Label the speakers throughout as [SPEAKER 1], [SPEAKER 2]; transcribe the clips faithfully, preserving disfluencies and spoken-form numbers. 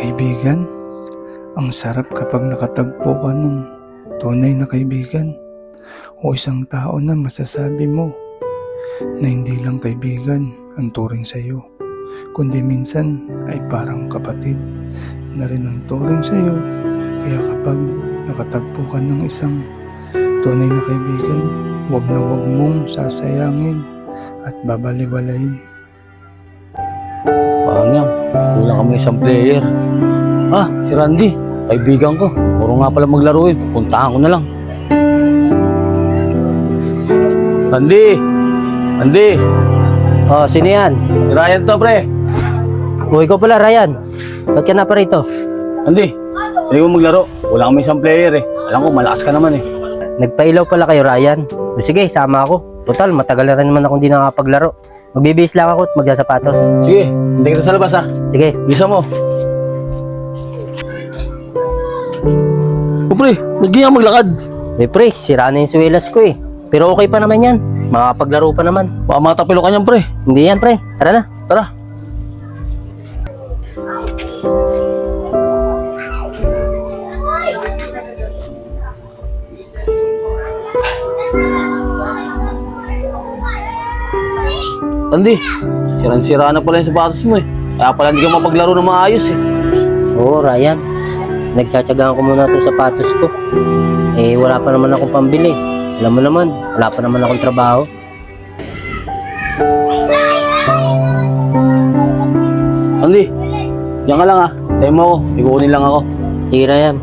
[SPEAKER 1] Kaibigan, ang sarap kapag nakatagpo ka ng tunay na kaibigan o isang tao na masasabi mo na hindi lang kaibigan ang turing sa iyo, kundi minsan ay parang kapatid na rin ang turing sa iyo. Kaya kapag nakatagpo ka ng isang tunay na kaibigan, wag na wag mong sasayangin at babaliwalayin.
[SPEAKER 2] Parang yan, kulang kami isang player. Ah, si Randy, kaibigan ko. Puro nga pala maglaro eh, puntahan ko na lang. Randy! Randy!
[SPEAKER 3] Oh, sino yan?
[SPEAKER 2] Si Ryan to, pre.
[SPEAKER 3] O, ikaw pala, Ryan. Ba't ka na pa rito?
[SPEAKER 2] Randy, hindi mo maglaro. Wala kami isang player eh. Alam ko, malakas ka naman eh.
[SPEAKER 3] Nagpailaw pala kayo, Ryan. O, sige, sama ako. Total, matagal na rin naman ako hindi nakapaglaro. Magbibihis lang ako at magsasapatos.
[SPEAKER 2] Sige, hindi kita sa labas ha.
[SPEAKER 3] Sige.
[SPEAKER 2] Bisa mo. O pre, nagiging maglakad.
[SPEAKER 3] Eh, pre, sira na yung suwelas ko eh. Pero okay pa naman yan. Makapaglaro pa naman.
[SPEAKER 2] Baka matapilo ka niyan pre.
[SPEAKER 3] Hindi yan, pre. Tara na.
[SPEAKER 2] Tara. Randy, sirang-sira na pala yung sapatos mo eh. Kaya pala hindi ka mapaglaro na maayos eh.
[SPEAKER 3] Oo, Ryan. Nagtsatsagaan ko muna itong sapatos ko. Eh, wala pa naman akong pambili. Alam mo naman, wala pa naman akong trabaho.
[SPEAKER 2] Randy, diyan ka lang ah. Tayo mo ako, ikukunin lang ako.
[SPEAKER 3] Sige, Ryan.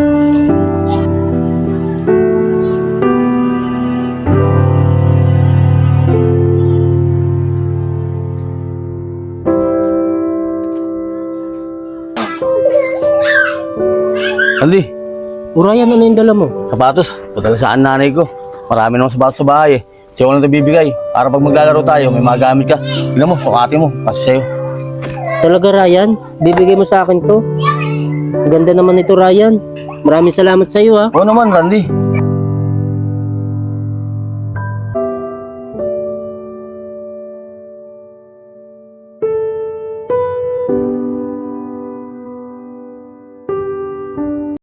[SPEAKER 2] Randy,
[SPEAKER 3] O, Ryan, ano yung dala mo?
[SPEAKER 2] sapatos, padala saan nanay ko. Marami naman sapatos sa bahay eh. Siya ko lang ito bibigay. Para pag maglalaro tayo, may magamit ka. Tignan mo, sukati mo, kasi sa'yo.
[SPEAKER 3] Talaga, Ryan? Bibigay mo sa akin to? Ang ganda naman ito, Ryan. Maraming salamat sa iyo, ha?
[SPEAKER 2] Oo naman, Randy.